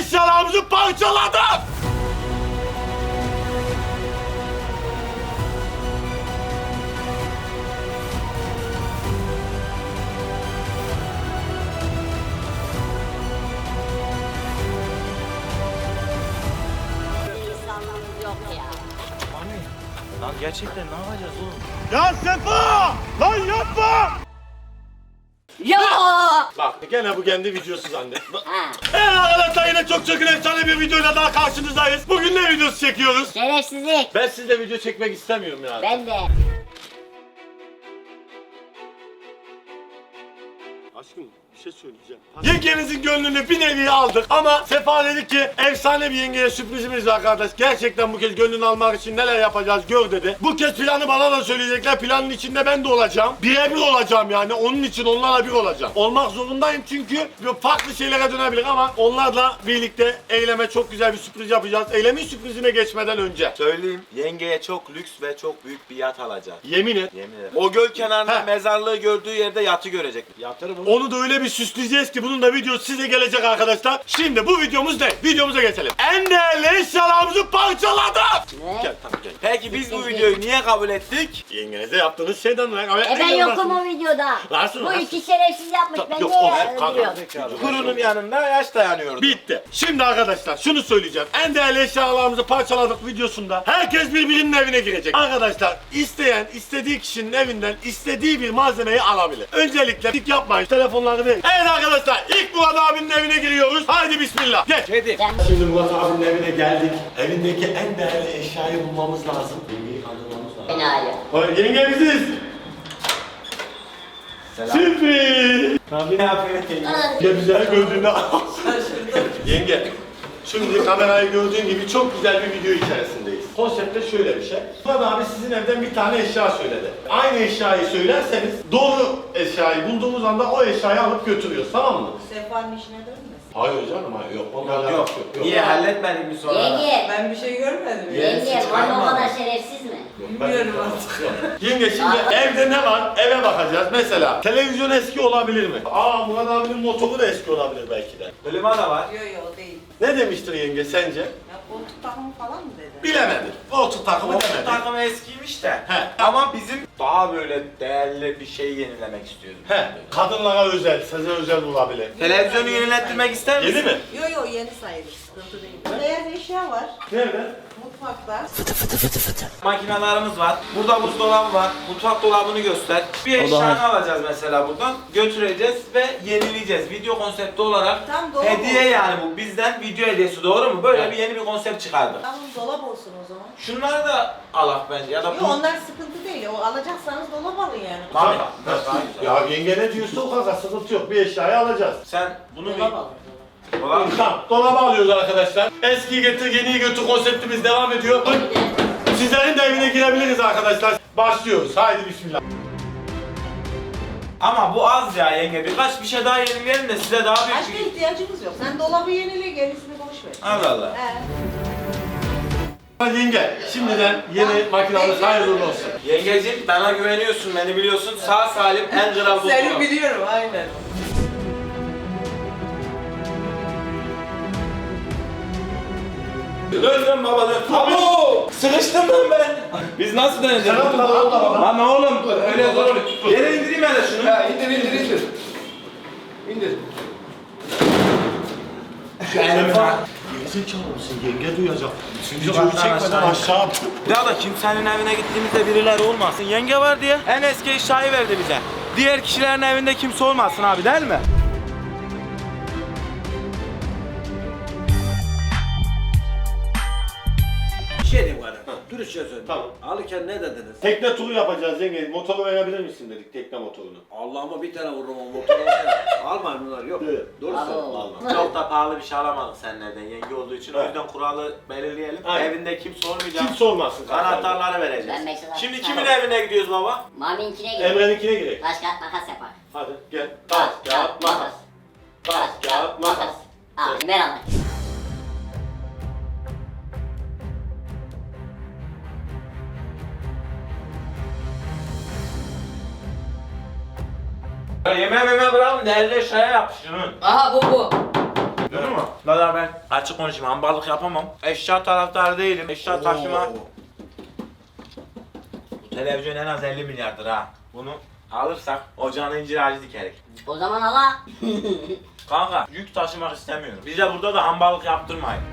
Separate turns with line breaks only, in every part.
eşyalarımızı parçaladık.
Yok ya.
Lan gerçekten ne yapacağız oğlum?
Ya Sefa! Lan yapma!
Ya!
Bak gene bu kendi videosu zannet.
Ha,
Evet arkadaşlar yine çok efsane bir videoyla daha karşınızdayız. Bugün ne videosu çekiyoruz?
şerefsizlik.
Ben sizle video çekmek istemiyorum ya.
Ben de.
Aşkım bir şey söyleyeceğim. Yengenizin gönlünü bir nevi aldık ama Sefa dedi ki efsane bir yengeye sürprizimiz var arkadaş. Gerçekten bu kez gönlünü almak için neler yapacağız gör dedi. Bu kez planı bana da söyleyecekler. Planın içinde ben de olacağım. Birebir olacağım yani. Onun için onlarla bir olacağım. Olmak zorundayım çünkü farklı şeylere dönebilir ama onlarla birlikte eyleme çok güzel bir sürpriz yapacağız. Eylemin sürprizine geçmeden önce.
Söyleyeyim, yengeye çok lüks ve çok büyük bir yat alacak.
Yemin et.
Yemin ederim. O göl kenarında
He.
mezarlığı gördüğü yerde yatı görecek. Yatırım onu.
Onu da öyle bir süsleyeceğiz ki bunun da videosu size gelecek arkadaşlar. Şimdi bu videomuz ne? Videomuza geçelim. En değerli eşyalarımızı parçaladık.
Ne?
Gel tamam gel.
Peki biz bu videoyu niye kabul ettik?
Yengenize yaptığınız şeyden dolayı.
Ben yokum o videoda.
Varsın,
Bu
varsın.
iki şerefsiz yapmış. Ben
Yok,
de
o
öldürüyorum.
Kurunun yanında yaş dayanıyordu.
Bitti. Şimdi arkadaşlar şunu söyleyeceğim. En değerli eşyalarımızı parçaladık videosunda. Herkes birbirinin evine girecek. Arkadaşlar isteyen istediği kişinin evinden istediği bir malzemeyi alabilir. Öncelikle dik yapmayın. Telefonları verin. Evet arkadaşlar ilk Murat abinin evine giriyoruz. Haydi bismillah. Gel.
Kedi.
Şimdi Murat abinin evine geldik. Evindeki en değerli eşyayı bulmamız lazım. Yengeyi kandırmamız lazım.
Enayi.
Oy, yenge biziz.
Selam.
Sürpriz.
Ne yapıyorsun?
Ya güzel gördüğünde Yenge. Şimdi kamerayı gördüğün gibi çok güzel bir video içerisindeyiz. Konsepte şöyle bir şey. Murat abi sizin evden bir tane eşya söyledi. Aynı eşyayı söylerseniz doğru eşyayı bulduğumuz anda o eşyayı alıp götürüyoruz, tamam mı?
Sefa'nın işine dönmesin.
Hayır canım hayır yok. Onunla
Yok
alakası
yok.
yok.
Niye halletmedin mi sonra?
Yenge.
Ben bir şey görmedim.
Yenge.
çıkarma.
Bana o kadar şerefsiz mi?
Bilmiyorum artık.
Yenge şimdi evde ne var? Eve bakacağız. Mesela televizyon eski olabilir mi? Aa Murat abinin motoru da eski olabilir belki de.
Klima da var.
Yok yok o değil.
Ne demiştir yenge sence?
Ya koltuk takımı falan mı dedi?
Bilemedi. Koltuk takımı
Koltuk
demedi.
takımı eskiymiş de.
He.
Ama bizim daha böyle değerli bir şey yenilemek istiyoruz.
He. Kadınlara özel, size özel olabilir.
Televizyonu yenilettirmek ister misin?
Yeni mi?
Yok yok yeni sayılır. Sıkıntı değil. Beyaz eşya var.
Nerede?
Mutfakta.
Makinalarımız var. Burada buzdolabı var. Mutfak dolabını göster. Bir eşyanı alacağız mesela buradan. Götüreceğiz ve yenileyeceğiz. Video konsepti olarak
Tam dolap
hediye
olsun.
yani bu. Bizden video hediyesi, doğru mu? Böyle
Evet.
bir yeni bir konsept çıkardık.
Tamam dolap olsun o zaman.
Şunları da alak bence ya da
Yok
bu.
onlar sıkıntı değil. O alacaksanız dolap alın yani.
Tabii. Daha güzel.
Ya yenge ne diyorsa o kadar sıkıntı yok. Bir eşyayı alacağız.
Sen bunu bir...
Dolap alın.
Dolap.
Tamam, dolabı alıyoruz arkadaşlar. Eskiyi getir, yeniyi götür konseptimiz devam ediyor. Sizlerin de evine girebiliriz arkadaşlar. Başlıyoruz. Haydi bismillah.
Ama bu az ya yenge. Birkaç bir şey daha yenileyelim de size daha büyük
Başka
bir...
ihtiyacımız yok. Sen dolabı yenile gerisini boş ver.
Allah Allah.
Yenge, şimdiden yeni makinamız hayırlı uğurlu olsun.
Yengeciğim bana güveniyorsun, beni biliyorsun. Sağ salim en kral bu.
Seni biliyorum aynen.
Dön baba dön. Abo! Sıkıştım lan ben. Biz nasıl döneceğiz?
Sen atla.
Lan oğlum öyle zor oluyor. Yere indireyim hele şunu.
Ya indir. İndir.
Sefa. Gerizekalı mısın? Yenge duyacak. Videoyu
kattan
çekmeden
aşağı.
aşağı at.
Ya da kimsenin evine gittiğimizde birileri olmasın. Yenge var diye en eski eşyayı verdi bize. Diğer kişilerin evinde kimse olmasın abi değil mi?
Bir şey diyeyim bana. Dürüstçe söyle.
Tamam.
Alırken ne dediniz?
Tekne turu yapacağız yenge. Motoru verebilir misin dedik, tekne motorunu.
Allah'ıma bir tane vururum o motoru. Almayın bunlar yok.
Evet.
Doğru
Alo.
söylüyorsun.
Vallahi.
Çok da pahalı bir şey alamadık seninlerden yenge olduğu için. O
Evet.
yüzden kuralı belirleyelim.
Aynen.
Evinde kimse olmayacak.
Kimse olmasın.
Anahtarları
Ben
vereceğiz.
mesela-
Şimdi kimin evine gidiyoruz baba?
Mami'inkine gir.
Emre'ninkine girek.
Taş kağıt makas yapar.
Hadi gel. Taş, kağıt, makas. Taş, kağıt, makas.
Al ver anne.
Ya yemeğe bırakın değerli eşyaya yap şunu.
Aha bu.
Ya
Duydun mu? Valla ben açık konuşayım, hambarlık yapamam. Eşya taraftarı değilim. Eşya taşıma. Bu televizyon en az 50 milyardır ha. Bunu alırsak ocağına incir ağacı dikerik.
O zaman ala.
Kanka yük taşımak istemiyorum. Bize burada da hambarlık yaptırmayın.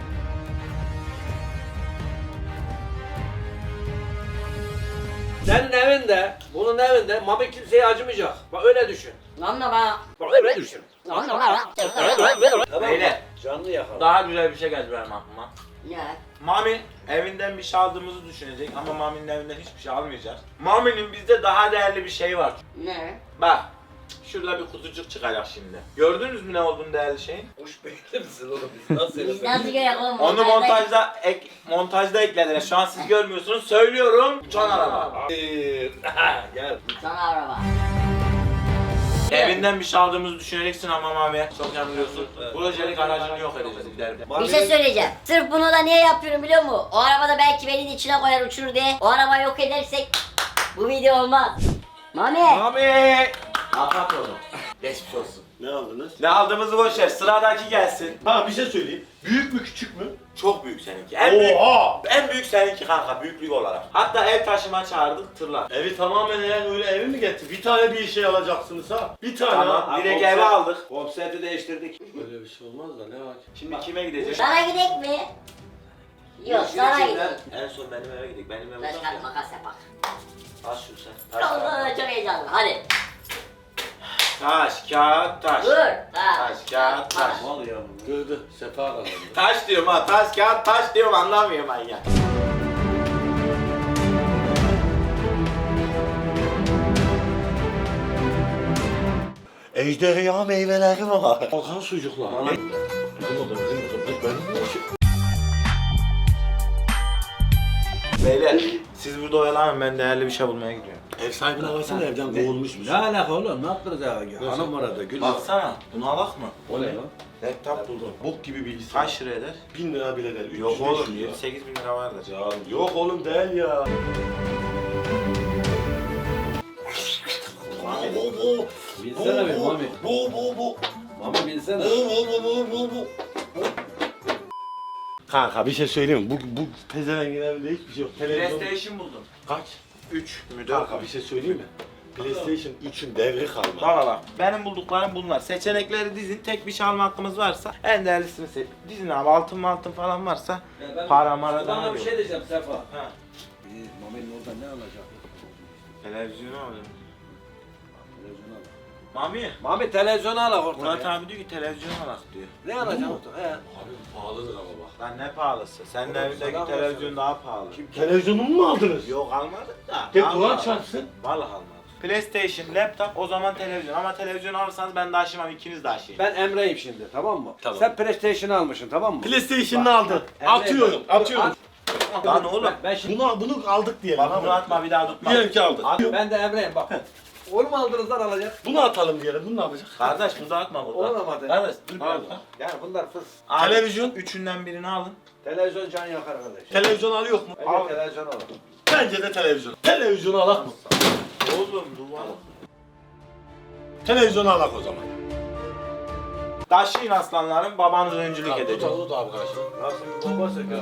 Senin evinde, bunun evinde Mami kimseye acımayacak. Bak öyle düşün.
Lan da bana.
Bak öyle düşün.
Lan da bana.
Tamam mı?
Beyler.
Canlı yakala.
Daha güzel bir şey geldi benim aklıma.
Ne?
Mami evinden bir şey aldığımızı düşünecek ama Mami'nin evinden hiçbir şey almayacağız. Mami'nin bizde daha değerli bir şey var.
Ne?
Bak. Şurada bir kutucuk çıkacak şimdi. Gördünüz mü ne olduğunu değerli şeyin?
Kuş beyinli misin oğlum? Biz nasıl
Biz nasıl görelim oğlum?
Onu montajda eklediler. Şu an siz görmüyorsunuz. Söylüyorum. Uçan araba.
Gel.
Sana araba.
Evinden bir şey aldığımızı düşüneceksin ama Mami. Çok yanılıyorsun. Projelik aracını yok edeceğiz ileride.
Bir şey söyleyeceğim. Sırf bunu da niye yapıyorum biliyor musun? O arabada belki beni içine koyar uçurur diye. O arabayı yok edersek bu video olmaz. Mami.
Mami! Afat oğlum. Geçmiş olsun.
Ne aldınız?
Ne aldığımızı boş ver. Sıradaki gelsin.
Ha bir şey söyleyeyim. Büyük mü küçük mü?
Çok büyük seninki.
Oha!
En büyük seninki kanka büyüklük olarak. Hatta ev taşıma çağırdık tırla.
Evi tamamen eğer öyle evi mi getir? Bir tane bir şey alacaksınız ha. Bir tane
Tamam.
ha.
Direkt eve aldık.
Konsepti değiştirdik.
Böyle bir şey olmaz da ne var?
Şimdi kime gideceğiz?
Sana gidek mi? Yok sana gidelim.
En son benim eve gidelim. Benim eve
Taş
uzak
kağıt
ya.
makas yapak.
Al şunu sen. Taş
Allah
kağıt.
çok heyecanlı. Hadi.
Taş kağıt taş.
Dur.
Taş kağıt taş.
Mal ya.
Gördü. Sefa kazandı.
Taş diyorum ha. Taş kağıt taş diyorum anlamıyorum ben ya.
Ejderha meyveleri var. Bakan sucuklar.
Beyler siz burada oyalanın ben değerli bir şey bulmaya gidiyorum.
Ev sahibinin arasında evden kovulmuşmuş.
Ne alaka oğlum? Ne yaptınız ya? Hanım var orada. Gül.
Baksana bunu alak mı?
O ne lan?
Laptop buldum.
Bok gibi bilgisayar.
Kaç lira eder?
1000 lira bile değil.
Yok
300,
oğlum
500 lira.
7-8 bin lira vardır.
Ya yok oğlum değil ya.
Binsene bir Mami.
Bu.
Mami binsene.
Bu. Kanka bir şey söyleyeyim mi? Bu pezevengin evinde hiçbir şey yok. Televizyon
PlayStation buldum.
kaç?
3 mü 4
Kanka bir şey söyleyeyim mi? PlayStation 3'ün devri kalmadı.
Bak. Benim bulduklarım bunlar. Seçenekleri dizin. Tek bir şey alma hakkımız varsa en değerlisini seç. Dizin abi altın falan varsa para mara
Bana
da
bir şey diyeceğim Sefa.
Ha.
Mami'nin orada ne alacak?
Televizyonu alıyorum.
Televizyonu al.
Mami.
Mami televizyonu al orada.
Murat
ya.
abi diyor ki televizyon alak diyor.
Ne alacaksın orada? He.
Abi pahalıdır ama bak.
Lan ne pahalısı? Senin
Oğlum,
evindeki
sana
televizyon daha pahalı.
Televizyonumu mu aldınız?
Yok almadık da.
Tek
Vallahi
Kur'an
almadık.
çarpsın.
Vallahi almadık. PlayStation, laptop o zaman televizyon ama televizyon alırsanız ben de aşımam ikiniz de aşıyım.
Ben Emre'yim şimdi tamam mı?
Tamam.
Sen PlayStation'ı almışsın tamam mı?
PlayStation'ını aldın.
Emre,
Atıyorum.
Lan oğlum.
Ben şimdi
Bunu aldık diyelim.
Bana bunu atma bir daha tutma.
Diyelim ki aldık.
ben de Emre'yim bak. Onu mu aldınız lan alacak?
Bunu atalım diyelim. Bunu ne yapacak?
Kardeş bunu da atma burada.
Onu da mı atayım?
Kardeş dur bir
Al.
dakika.
Yani bunlar fıs.
Abi,
Televizyon.
Üçünden birini alın.
Televizyon can yakar kardeş.
Televizyon alıyor mu?
Bence televizyon al.
Bence de televizyon. Televizyonu alak mı?
Oğlum duvar.
Televizyonu alak o zaman.
Taşıyın aslanlarım babanız öncülük edecek.
Tut abi kardeşim.
Nasıl bir bomba söker?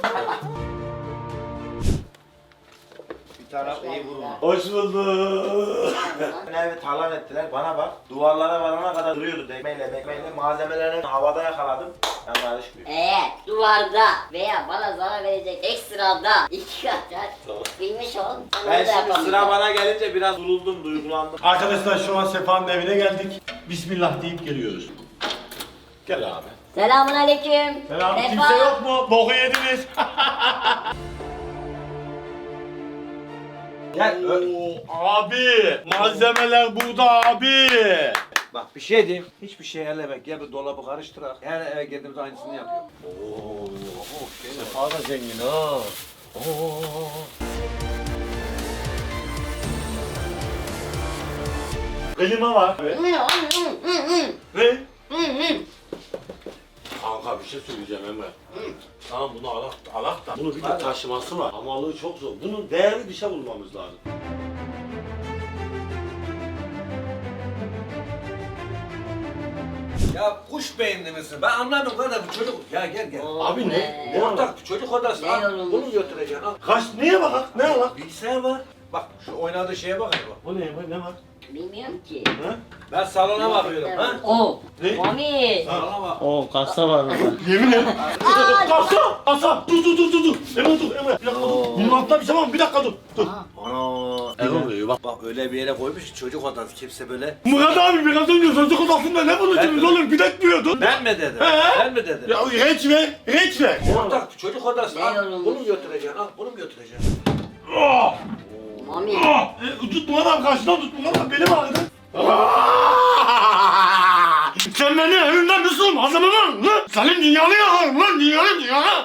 Bir taraf iyi vurma.
Hoş bulduk.
Evi talan ettiler bana bak. Duvarlara varana kadar duruyordu dekmeyle malzemelerini havada yakaladım. Ben karışmıyor.
Eğer duvarda veya bana zarar verecek ekstrada iki kat bilmiş ol.
Ben şimdi sıra bana gelince biraz duruldum, duygulandım.
Arkadaşlar şu an Sefa'nın evine geldik. Bismillah deyip geliyoruz. Gel abi.
Selamun aleyküm.
Selam.
Sefa.
Kimse yok mu? Boku yediniz.
Gel.
Oo, abi. Malzemeler burada abi.
Bak bir şey diyeyim. Hiçbir şey ellemek. Gel bir dolabı karıştırak. Her eve girdiğimizde aynısını yapıyor.
Oo. Sefa da zengin ha. Oo. Klima var. Ne? Kanka bir şey söyleyeceğim Emre. Tamam bunu alak da. Bunu bir de taşıması var. Hamalığı çok zor. Bunun değerli bir şey bulmamız lazım.
Ya kuş beyinli misin? Ben anlamıyorum kardeşim bu çocuk. Ya gel.
Abi ne? Ne var?
Ortak çocuk odası.
Ne
Al,
yorulmuş?
bunu götüreceksin al.
Kaç neye bak? Ne var?
Bilgisayar var. Bak şu oynadığı şeye bak hele bak.
O ne var?
Bilmiyorum ki.
Ha?
Ben salona bakıyorum ha.
Oo.
Ne?
Mami.
Salona bak.
Oo kasa var burada.
Yemin et.
Aa,
Kasa. Dur. Emre dur. Bir dakika dur. Bunun altında bir şey var mı? Bir dakika dur.
Ana.
Ne oluyor bak.
Bak öyle bir yere koymuş ki çocuk odası kimse böyle.
Murat abi biraz önce çocuk odasında ne buluştunuz oğlum? Bilek diyordun.
Ben mi dedim?
He?
Ben mi dedim?
Ya reç ver.
Ortak çocuk odası.
Ne
Al
yorulmuş?
bunu götüreceksin al bunu götüreceksin.
Ah!
Mami.
Tut Murat abi karşıdan tut Murat abi benim ağrıdı. Sen beni evimden nasıl hazırladın lan? Senin dünyanı yakarım lan dünyanı.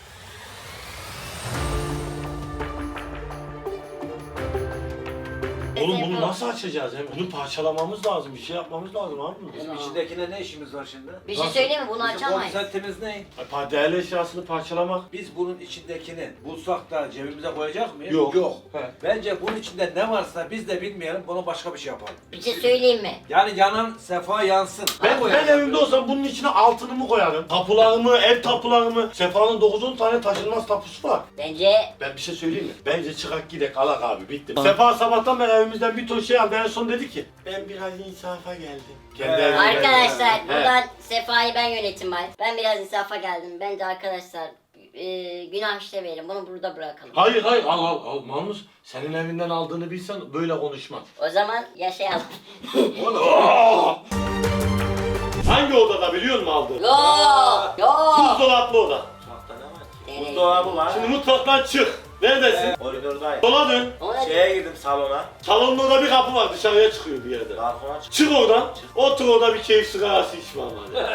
Oğlum bunu nasıl açacağız? Bunu parçalamamız lazım, bir şey yapmamız lazım abi.
Bizim içindekine ne işimiz var şimdi?
Bir şey söyleyeyim mi? Bunu
Bizim
açamayız.
konseptimiz ne?
Değerli eşyasını parçalamak.
Biz bunun içindekini bulsak da cebimize koyacak mıyız?
Yok.
He. Bence bunun içinde ne varsa biz de bilmeyelim, bunu başka bir şey yapalım.
Bir şey söyleyeyim mi?
Yani yanan sefa yansın.
Ben evimde olsam bunun içine altınımı koyarım. Tapularımı, ev tapularımı. Sefa'nın 9-10 tane taşınmaz tapusu var.
Bence
Ben bir şey söyleyeyim mi? Bence çıkak gidek alak abi bitti. Sefa sabahtan beri evimizden bir ton şey aldı. En son dedi ki ben biraz insafa geldim. Kendi evine
arkadaşlar
geldi.
buradan Sefa'yı ben yönetim var. Ben biraz insafa geldim. Bence arkadaşlar günah işlemeyelim. Bunu burada bırakalım.
Hayır al Mahmut. Senin evinden aldığını bilsen böyle konuşmaz.
O zaman yaşayalım.
Hangi odada biliyor musun aldı?
Yok.
Buzdolaplı oda.
Mutfakta ne var ki?
Nereye
Buzdolabı var.
Şimdi mutfaktan çık. Neredesin?
Koridordayım.
Sola dön.
Ona
Şeye girdim salona.
Salonun orada bir kapı var dışarıya çıkıyor bir yerde.
Balkona çıktım.
Çık oradan. Otur orada bir keyif sigarası içme ama.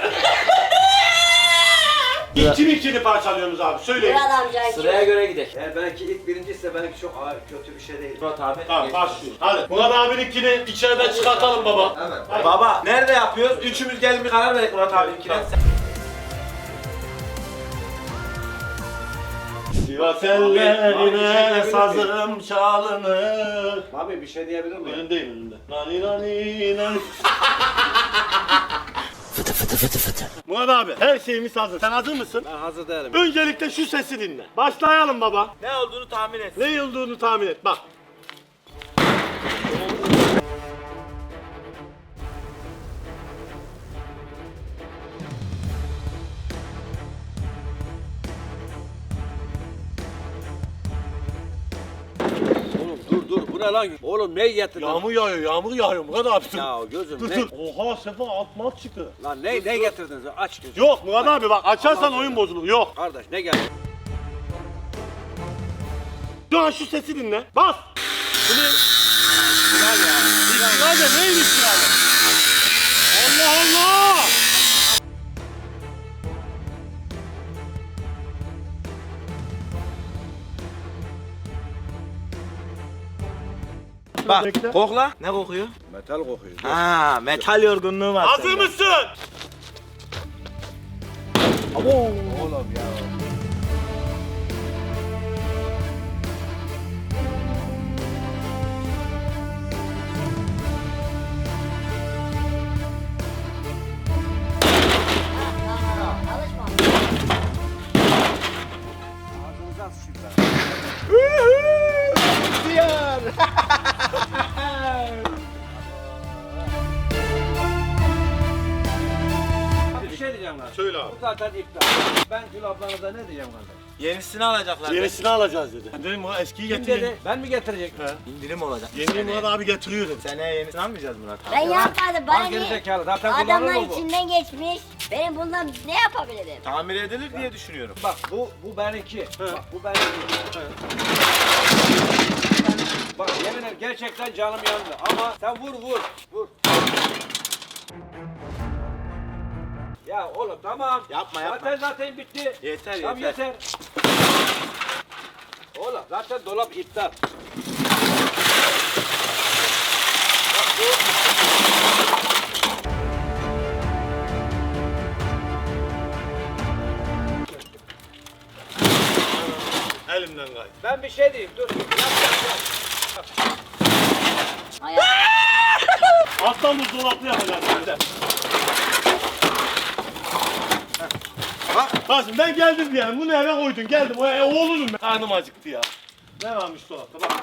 İkini parçalıyorsunuz abi söyleyin.
Murat amca
Sıraya göre gidelim.
Eğer belki ilk birinciyse belki çok kötü bir şey değil.
Murat abi.
Tamam
geç.
başlıyoruz. Hadi. Murat abininkini içeriden çıkartalım baba.
Evet.
Hadi.
Baba nerede yapıyoruz? Üçümüz gelin bir karar verelim Murat abinkine.
Sivas ellerine sazım çalınır.
Abi bir şey diyebilir miyim?
Önündeyim önünde. Nani nani nani. Fıtı. Murat abi her şeyimiz hazır. Sen hazır mısın?
Ben hazır değilim.
Öncelikle şu sesi dinle. Başlayalım baba.
Ne olduğunu tahmin et.
Ne olduğunu tahmin et bak.
Oğlum dur bu ne lan? Oğlum ne getirdin?
Yağmur yağıyor Murat abi. Dur.
Ya gözüm
Dur
ne?
dur. Oha Sefa alt çıktı.
Lan ne getirdiniz? Aç gözüm.
Yok Murat abi bak açarsan oyun bozulur. Yok.
Kardeş ne geldi?
Şu an şu sesi dinle. Bas. Bu ne? İstiklal ne istiklal? Allah!
Bak
Bekle.
kokla. Ne kokuyor?
Metal kokuyor.
Ha metal yorgunluğu var.
Hazır
sende.
mısın?
Oğlum ya.
Alışma.
Ağzınıza sıçayım ben. Bir şey diyeceğim lan.
Söyle abi.
Bu zaten iptal. Ben Gül ablanıza ne diyeceğim kardeş?
Yenisini alacaklar.
Yenisini alacağız dedi. Dedim Murat eskiyi
Kim
getireyim.
dedi? Ben mi getirecektim?
İndirim olacak.
Yeni Murat abi getiriyor dedi.
Seneye yenisini almayacağız Murat abi.
Ben yapmadım. Bana
Al geri
niye?
zekalı. Zaten
Adamlar
kullanılır bu.
içinden geçmiş. Benim bundan ne yapabilirim?
Tamir edilir diye düşünüyorum.
Bak bu benimki. Bak bu benimki. Bak yemin ederim gerçekten canım yandı ama sen vur. Ya oğlum tamam.
Yapma.
Zaten bitti.
Yeter
Tamam yeter. Oğlum zaten dolap iptal. Bak bu.
Elimden kay.
Ben bir şey diyeyim dur. Yap.
Hayat.
Alttan buzdolaplı yapacağız. Kasım ben geldim diyelim. Bunu eve koydun. Geldim. Oğlunum ben. Karnım acıktı ya. Ne varmış dolapta bak.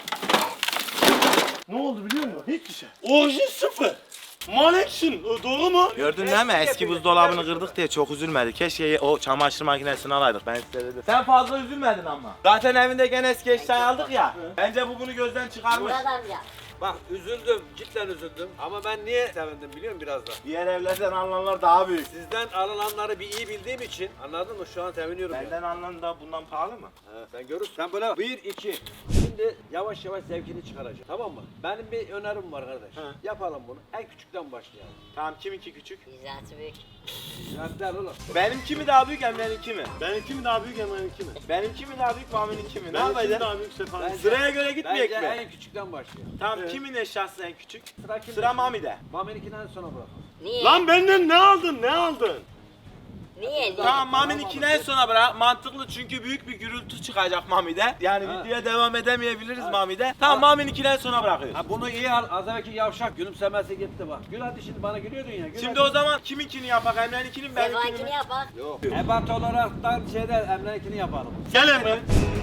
Ne oldu biliyor musun? Hiçbir şey. Orijin sıfır. Maneksin. Doğru mu?
Gördün değil mi? Eski buzdolabını kırdık diye çok üzülmedi. Keşke o çamaşır makinesini alaydık. Ben size dedim. Sen fazla üzülmedin ama. Zaten evinde gene eski eşyayı aldık ya. Bence bu bunu gözden çıkarmış.
Murat amca.
Bak üzüldüm, cidden üzüldüm. Ama ben niye sevindim biliyor musun biraz da?
Diğer evlerden alınanlar daha büyük.
Sizden alınanları bir iyi bildiğim için anladın mı? Şu an seviniyorum ya.
Benden alınan da bundan pahalı mı?
Sen görürsün. Sen böyle 1, 2. Şimdi yavaş yavaş zevkini çıkaracağım. Tamam mı? Benim bir önerim var kardeş. Yapalım bunu. En küçükten başlayalım.
Tamam kiminki küçük?
İzatı büyük.
Zaten oğlum.
Benimki mi daha büyük Emre'ninki mi?
Benimki mi daha büyük Emre'ninki mi?
Benimki mi daha büyük Mami'ninki mi? Ne
Benimki mi
yapacağız?
daha büyük Sefa'nın?
Bence-
Sıraya göre gitmeyecek
Bence
mi?
en küçükten başlayalım.
Tamam kimin eşyası en küçük?
Sıra kimde?
Sıra Mami'de.
Mami'ninkinden sonra bırakalım.
Niye?
Lan benden ne aldın? Ne aldın?
Niye?
Tamam Mami'ninkini en sona bırak. Mantıklı çünkü büyük bir gürültü çıkacak Mami'de. Yani
Ha.
videoya devam edemeyebiliriz Mami'de. Tamam Mami'ninkini en sona bırakıyoruz.
Ha bunu iyi al. Az evvelki yavşak gülümsemesi gitti bak. Gül hadi şimdi bana gülüyordun ya. Gül
Şimdi
hadi.
o zaman kiminkini yapak? Emre'ninkini mi benimkini
Sefa'nkini
mi?
yapak.
Yok. Ebat olaraktan şeyde Emre'ninkini yapalım.
Gel Emre.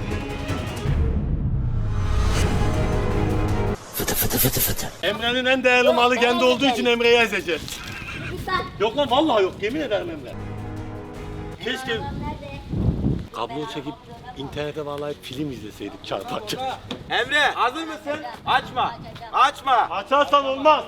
Emre'nin en değerli malı kendi olduğu için Emre'yi ezeceğiz.
Lütfen.
Yok lan vallahi yok. Yemin ederim Emre. Keşke
Nerede?
kablo çekip internete bağlayıp film izleseydik çarpakça.
Emre hazır mısın? Açma. Açma.
Açarsan olmaz.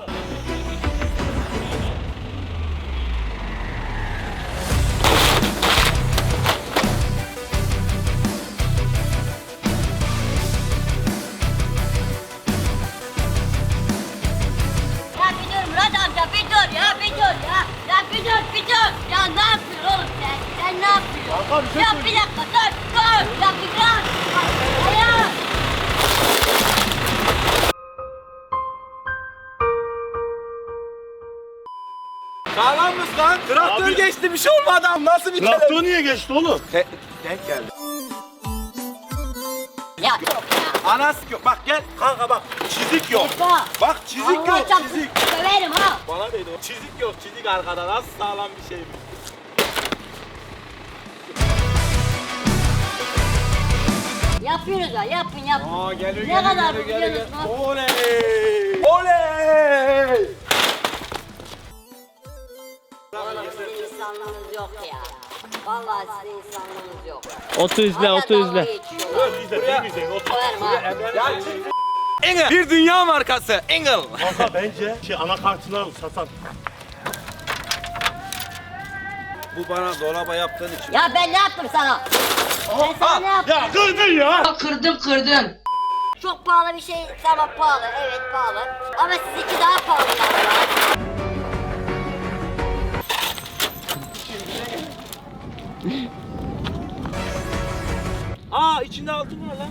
Ya bir dur Murat amca bir dur ya bir dur ya. Ya bir dur bir dur. Ya ne yapıyorsun oğlum sen? Sen ne yapıyorsun?
Kanka bir şey
Ya
söyle.
bir dakika dur. Ya bir dur. Ya.
Sağlam mısın lan? Traktör
Abi-
geçti bir şey olmadı ama nasıl bir
Traktör niye geçti oğlum?
Denk geldi.
Ya yok ya.
Anas yok. Bak gel kanka bak. Çizik yok.
Sefa.
Bak çizik
Allah
yok.
çarpsın,
Çizik.
Söverim ha.
Bana değdi o. Çizik yok. Çizik arkada. Nasıl sağlam bir şey bu?
Yapıyoruz ya yapın yapın.
Aa geliyor
Ne kadar bu biliyor musun?
Oley! Oley!
Oğlum sizin insanlığınız yok ya. Vallahi sizin insanlığınız yok.
Otur izle,
Hala
otur izle.
dalga geçiyorlar.
Biz de otur.
Söverim ha.
Ya çık. Engel. Bir dünya markası. Engel.
Kanka bence anakartını al Satan.
Bu bana dolaba yaptığın için.
Ya ben ne yaptım sana? Ben sana ne yaptım?
Ya kırdın ya.
Kırdım. Çok pahalı bir şey. Tamam pahalı. Evet pahalı. Ama sizinki daha pahalı ya.
Aa içinde altın var lan.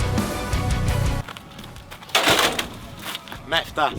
Mefta.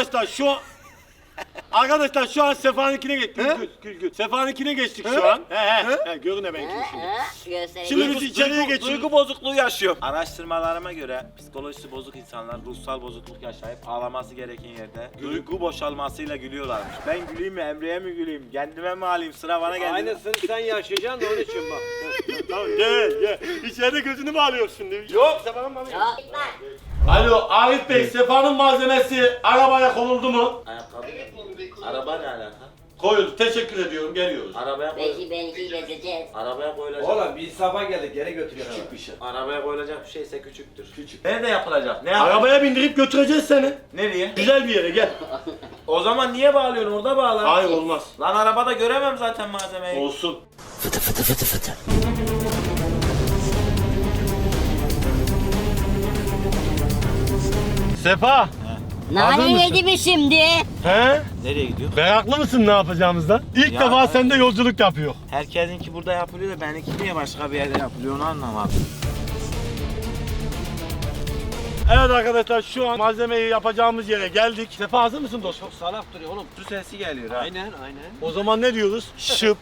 Arkadaşlar şu an Sefa'nınkine geçtik. Gül. Sefa'nınkine geçtik şu an. He. Görün ne benimkini şimdi.
Göstereyim.
Şimdi biz içeriye geçiyoruz.
Duygu bozukluğu yaşıyor. Araştırmalarıma göre psikolojisi bozuk insanlar ruhsal bozukluk yaşayıp ağlaması gereken yerde duygu boşalmasıyla gülüyorlarmış. Ben güleyim mi, Emre'ye mi güleyim, kendime mi alayım, sıra bana geldi.
Aynısını sen yaşayacaksın da onun için bak.
Tamam gel. İçeride gözünü mü alıyorsun şimdi? Yok Sefa'nın malı.
Ya gitme.
Alo Arif Bey, Sefa'nın malzemesi arabaya konuldu mu?
Ayakkabı. Araba ne alaka?
Koyuldu. Teşekkür ediyorum. Geliyoruz.
Arabaya koy.
Belki benimkiyle ezeceğiz.
Arabaya koyulacak.
Oğlum bir safa geldik geri götürüyor.
Küçük bir şey.
Arabaya koyulacak bir şeyse küçüktür. Küçük. Nerede yapılacak? Ne
Arabaya bindirip götüreceğiz seni.
Nereye?
Güzel bir yere gel.
O zaman niye bağlıyorsun? Orada bağla.
Hayır olmaz.
Lan arabada göremem zaten malzemeyi.
Olsun. Sefa. Hazır
Nane
mısın?
yedi mi şimdi?
He?
Nereye gidiyor?
Meraklı mısın ne yapacağımızdan? İlk
Ya,
defa
evet.
sende yolculuk yapıyor.
Herkesinki burada yapılıyor da benimki niye başka bir yerde yapılıyor onu anlamadım.
Evet arkadaşlar şu an malzemeyi yapacağımız yere geldik. Sefa hazır mısın dostum?
Çok salak duruyor oğlum.
Su sesi geliyor ha.
Aynen.
O zaman ne diyoruz? Şıp.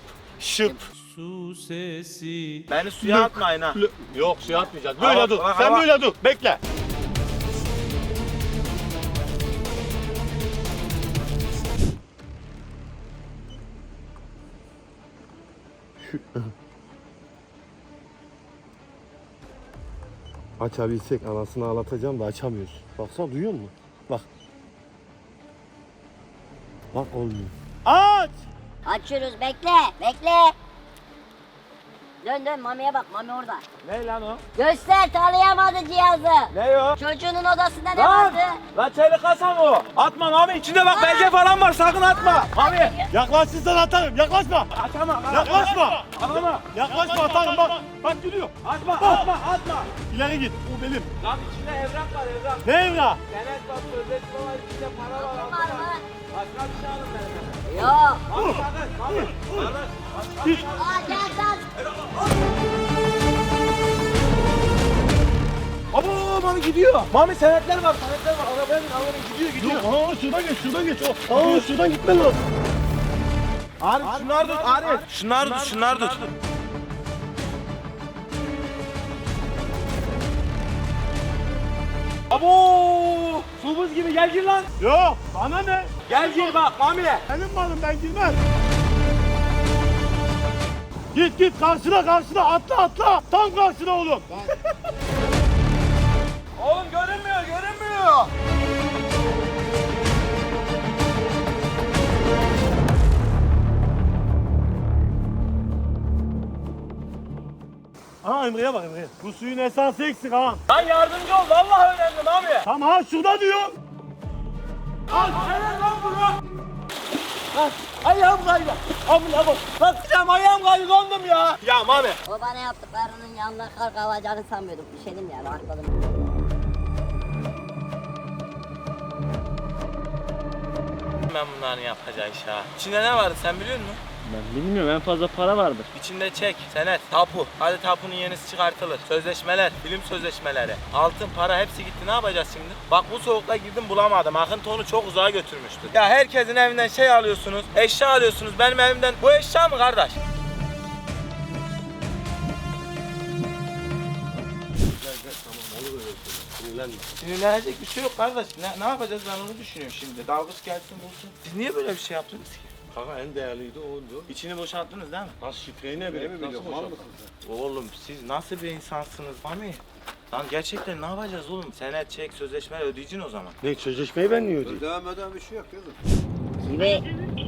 Beni suya atmayın ha.
Yok suya atmayacağız. Böyle
Hava-
dur.
hava-
Sen
hava.
böyle dur. Bekle. Açabilsek anasını ağlatacağım da açamıyoruz. Baksana duyuyor musun? Bak. Bak olmuyor. Aç!
Açıyoruz bekle. Dön Mami'ye bak, Mami orada.
Ne lan o?
Göster, tanıyamadı cihazı.
Ne o?
Çocuğunun odasında ne
Lan!
vardı?
Lan çelik kasa mı o? Atma Mami, içinde bak belge falan var, sakın atma. Mami!
Yaklaşırsan atarım. Yaklaşma.
Açama.
Yaklaşma.
Atma.
Yaklaşma atarım bak. Bak gidiyor.
Atma.
İleri git. Bu benim.
Lan içinde evrak var, evrak.
Ne evra?
Senet var, sözleşme var, içinde para var.
Var mı?
Başka bir şey alın benim.
Yok.
Mami sakın, Mami.
Git.
Aa, gel.
Abo Mami gidiyor. Mami senetler var. Arabaya bin, gidiyor.
Aa şuradan geç. Aa şuradan gitmen lazım.
Arif şunlar tut, Arif. Şunlar tut. Abo! Su buz gibi gel gir lan.
Yok bana ne?
Gel gir bak Mami.
Benim malım ben girmem. Git karşına atla. Tam karşına oğlum.
Oğlum görünmüyor.
Aa Emre'ye bak Emre'ye. Bu suyun esansı eksik ha.
Lan yardımcı ol, vallahi önemli Mami.
Tamam ha şurada diyor.
Al sen lan bunu. Ayağım kaydı. Amına bak. Bakacağım ayağım kaydı, dondum ya. Ya Mami.
O bana yaptıklarının yanına kar kavacağını sanmıyordum. Düşelim ya, rahatladım.
Ben bunların yapacağı iş ha. İçinde ne vardı sen biliyor musun?
Ben bilmiyorum, en fazla para vardır.
İçinde çek, senet, tapu. Hadi tapunun yenisi çıkartılır. Sözleşmeler, film sözleşmeleri, altın, para hepsi gitti. Ne yapacağız şimdi? Bak bu soğukta girdim bulamadım. Akıntı onu çok uzağa götürmüştü. Ya herkesin evinden şey alıyorsunuz, eşya alıyorsunuz. Benim evimden bu eşya mı kardeş? Sinirlenecek bir şey yok kardeş. Ne yapacağız ben onu düşünüyorum şimdi. Dalgıç gelsin bulsun. Siz niye böyle bir şey yaptınız ki?
Kanka en değerliydi oydu.
İçini boşalttınız değil mi?
Nasıl şifreyi ne bileyim? Nasıl boşalttın?
Oğlum siz nasıl bir insansınız Mami? Lan gerçekten ne yapacağız oğlum? Senet, çek, sözleşme ödeyeceksin o zaman.
Ne sözleşmeyi ben niye ödeyeyim?
Ödemeden bir şey yok kızım.
Gibi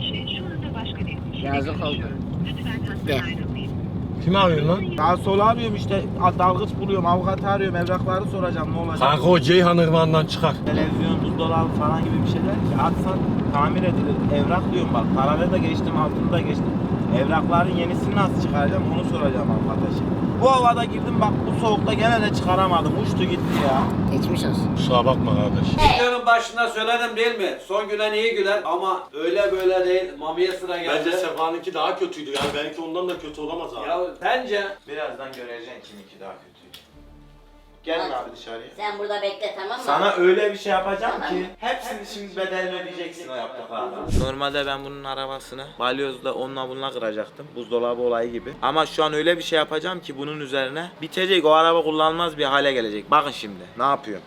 yazık oldu. De.
Kimi arıyorsun lan?
Daha sola arıyorum işte, dalgıç buluyorum, avukatı arıyorum, evrakları soracağım ne olacak?
Kanka o Ceyhan Irmağı'ndan çıkar.
Televizyon, buzdolabı falan gibi bir şeyler ki atsan tamir edilir. Evrak diyorum bak, paraları da geçtim, altını da geçtim. Evrakların yenisini nasıl çıkaracağım onu soracağım avukata şimdi. Bu havada girdim bak, bu soğukta gene de çıkaramadım, uçtu gitti ya.
Geçmiş olsun.
Kusura bakma kardeş.
Videonun başında söyledim değil mi? Son gülen iyi güler ama öyle böyle değil. Mami'ye sıra geldi.
Bence Sefa'nınki daha kötüydü yani belki ondan da kötü olamaz abi.
Ya bence
Birazdan göreceksin kiminki daha kötü. Gelin
Hadi.
abi dışarıya.
Sen burada bekle, tamam mı?
Sana öyle bir şey yapacağım
Tamam.
ki hepsini şimdi bedelini ödeyeceksin o yaptıklarına. Normalde ben bunun arabasını balyozla onunla bununla kıracaktım. Buzdolabı olayı gibi. Ama şu an öyle bir şey yapacağım ki bunun üzerine bitecek, o araba kullanılmaz bir hale gelecek. Bakın şimdi ne yapıyorum.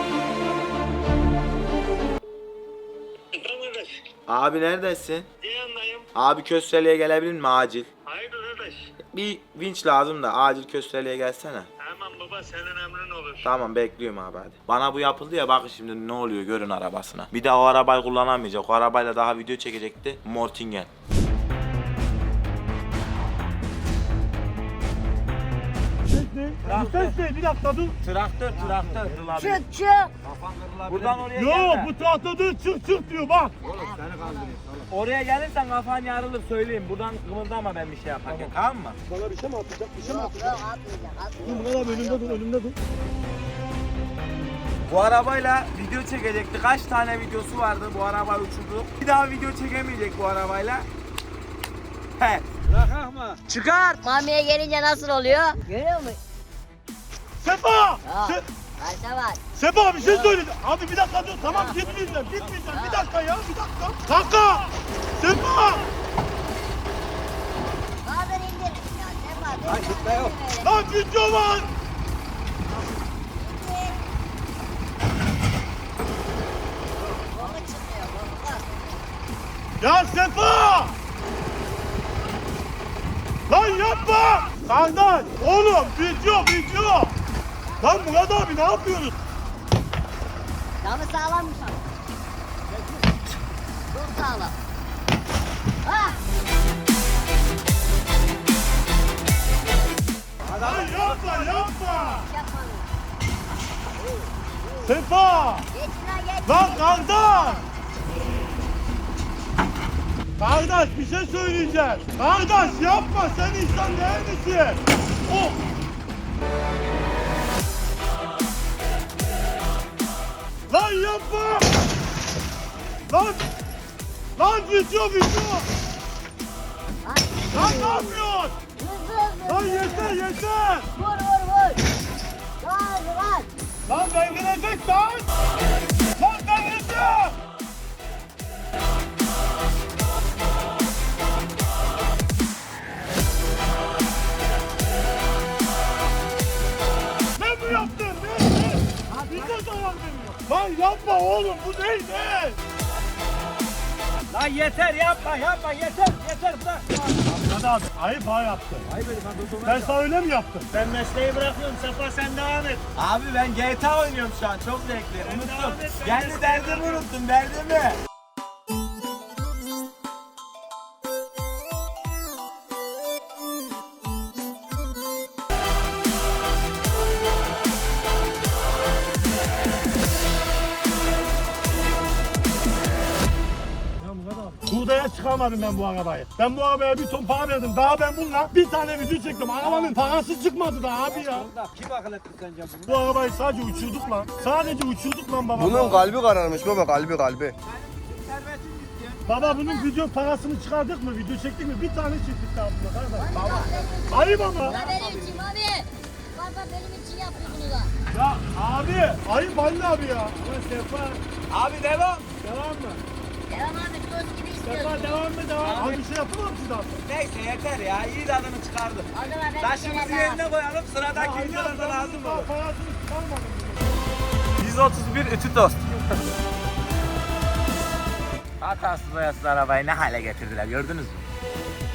Abi neredesin?
Yanındayım.
Abi Kösteli'ye gelebilir mi acil?
Hayırdır kardeş?
Bir vinç lazım da acil Kösteli'ye gelsene.
Hemen baba senin emrin olur.
Tamam bekliyorum abi hadi. Bana bu yapıldı ya, bakın şimdi ne oluyor görün arabasına. Bir daha o arabayı kullanamayacak. O arabayla daha video çekecekti. Mortingen.
Ses ne? Bir dakika dur.
Traktör.
Çık.
kafan kırılabilir.
Buradan oraya
Yok
gelme.
bu tahta dur çık diyor bak.
Oğlum seni kandırıyor.
Oraya gelirsen kafan yarılır söyleyeyim. Buradan kımıldama ben bir şey yaparken, tamam mı?
Bana bir şey mi atacak? Bir şey mi
Yok
atacak?
atmayacak.
Dur bana önümde dur.
Bu arabayla video çekecekti. Kaç tane videosu vardı, bu arabayı uçurdu. Bir daha video çekemeyecek bu arabayla. He.
Bırak mı?
Çıkar.
Mami'ye gelince nasıl oluyor? Görüyor musun?
Sefa!
Yok.
Se-
Karşıda var.
Sefa bir şey söyledi. Abi bir dakika dur tamam gitmeyeceğim. Bir dakika ya bir dakika. Kanka! Sefa!
Bazen indir. Ya Sefa.
Lan gitme yok.
Lan video var!
Kolu çıkıyor. Kolu.
Ya Sefa! Lan yapma! Kardeş! Oğlum video! Lan Murat abi ne yapıyorsun?
Camı sağlammış ama. Çok sağlam. Ah!
Lan yapma yapma.
Yapmadım.
Sefa.
Geç şuna geç.
Lan kardeş. Kardeş bir şey söyleyeceğim. Kardeş yapma sen insan değil misin? Oh. Lan yapma. Lan. Lan bitiyor. Lan ne yapıyorsun?
Hızlı hızlı.
Lan yeter.
Vur. Gaz.
Lan devrilecek lan. Lan devrilecek. Ne bu yaptın? Ne? Bir de zarar veriyor. Lan yapma oğlum bu değil.
Lan yeter yapma yeter bırak.
Hadi abi ayıp ha yaptın.
Hayır benim ben durdurmaya
Ben sana öyle mi yaptım?
Ben mesleği bırakıyorum. Sefa sen devam et.
Abi ben GTA oynuyorum şu an çok zevkli. Unuttum.
devam et, ben
Kendi derdimi unuttum derdimi.
Hurdaya çıkarmadım ben bu arabayı. Ben bu arabaya bir ton para verdim. Daha ben bununla bir tane video çektim. Arabanın parası çıkmadı da abi ya.
Onda kim akıl etti sence bunu?
Bu arabayı sadece uçurduk lan. Sadece uçurduk lan baba.
Bunun kalbi kararmış baba, kalbi.
Baba bunun video parasını çıkardık mı? Video çektik mi? Bir tane çektik daha bunda kardeş. Baba. Ayıp ama.
Ya benim için abi. Baba benim için yapıyor bunu da.
Ya abi. Ayıp anne abi ya.
Abi devam.
Devam mı?
Devam abi toz gibi istiyorsun.
Devam. Abi bir şey yapamam ki daha.
Neyse yeter ya iyi tadını çıkardım.
O zaman ben bir
Taşımızı
kere daha.
yerine koyalım sıradaki videolarda lazım olur.
Parasını çıkarmadım.
131 ütü tost. Hatasız boyasız arabayı ne hale getirdiler gördünüz mü?